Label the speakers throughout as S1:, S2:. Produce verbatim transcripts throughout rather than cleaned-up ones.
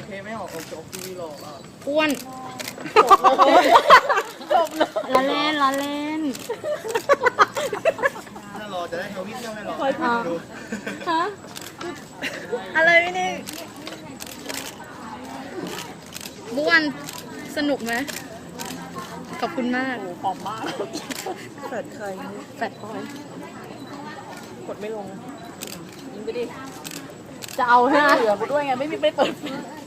S1: เคไหมออกออกจากทีวีหรอกอ่ะ
S2: อ้วน
S3: จบเลย
S2: ล้อเล่นล้อเล่น
S1: ถ้ารอจะได้ทวิตเที่ยวให้รอ
S3: คอยพูด
S1: ดู
S2: ฮะ
S3: อะไรไม่นี่
S2: บ้วนสนุกไหมขอบคุณมาก
S3: โอ้หอมมากแฟดใคร
S2: แฟดพอย
S3: กดไม่ลงยิงไปดิ
S2: จะเอา
S3: ไม่
S2: ฮะ
S3: เหลือกูด้วยไงไม่มีไม่เปิด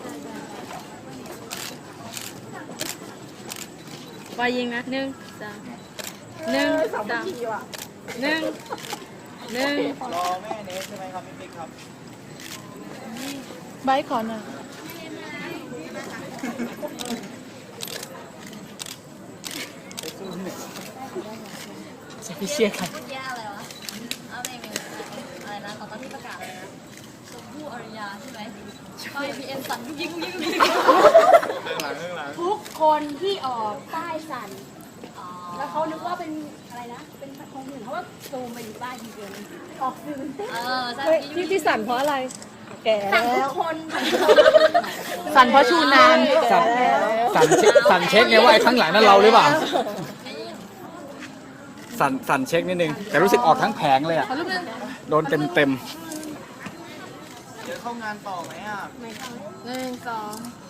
S2: วายยิงนะหนึ่งสามหนึ่ง
S3: สาม
S2: สาม
S3: ทีว่ะ
S2: หนึ่งหนึ่ง
S1: รอแม่เนสใช่ไหมครับพี่ปิ๊กครับ
S3: ใบขอหน่อย
S1: ไปสู้หนึ่ง
S2: จะไปเชียร์ใคร
S4: แย่อะไรวะเอาเพลงหนึ่งอะไรนะตอนที่ประกาศอะไรนะชมพู่อริยาใช่ไหมไปพีเอ็นสั่นยิ่งยิ่งยิ่ง
S1: เรื่องหลังเรื่องหลัง
S5: ทุกคนที่ออกป้ายสั่น
S4: อ๋อ
S5: แล้วเขานึกว่าเป็นอะไรนะ เป็นคนอื่นเขาว่าซูมไปอยู่ป้ายทีเดียวเลยออกสื่อเต้น
S4: เออใช่
S3: เฮ้ยที่ที่สั่นเพราะอะไร แก่
S5: สั่น
S3: แล้
S5: ทุ
S3: ว
S5: กคนสั่นทุกคน
S2: สั่นเพราะชูนาน
S3: แก่แล้ว
S6: สั่นเช็คสั่นเช็คไงว่าไอ้ข้างหลังนั่นเราหรือเปล่า สั่นสั่นเช็คนิดนึง แต่รู้สึกออกทั้งแผงเลยอ่ะ โดนเต็มเต็ม
S1: เดี๋ยวเข้างานต่อไหมอ่ะ
S2: หนึ่งสอง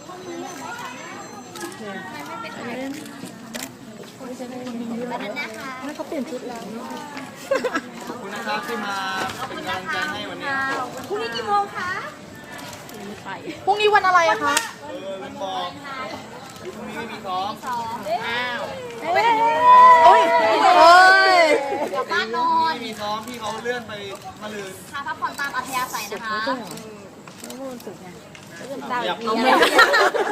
S3: ไม่เขาเปลี่ยนชุดแล้ว
S1: ขอบคุณนะครับที่มาเป็นกำลังใจให้วันนี้
S5: พรุ่งนี้กี่โมงคะ
S3: พรุ่งนี้วันอะไรอะคะ
S1: เออลืมบอกพรุ่งนี้ไม่มีซ้อม
S4: สอง
S1: อ้าว
S3: โอ้ยโอ้ย
S4: กลับบ้านนอ
S1: ไม่
S4: น
S1: มีซ้อมพี่เขาเลื่อนไปมะรืน
S4: พาพักผ่อนตามอัธยาศัยนะคะ
S1: อยากเอาแม่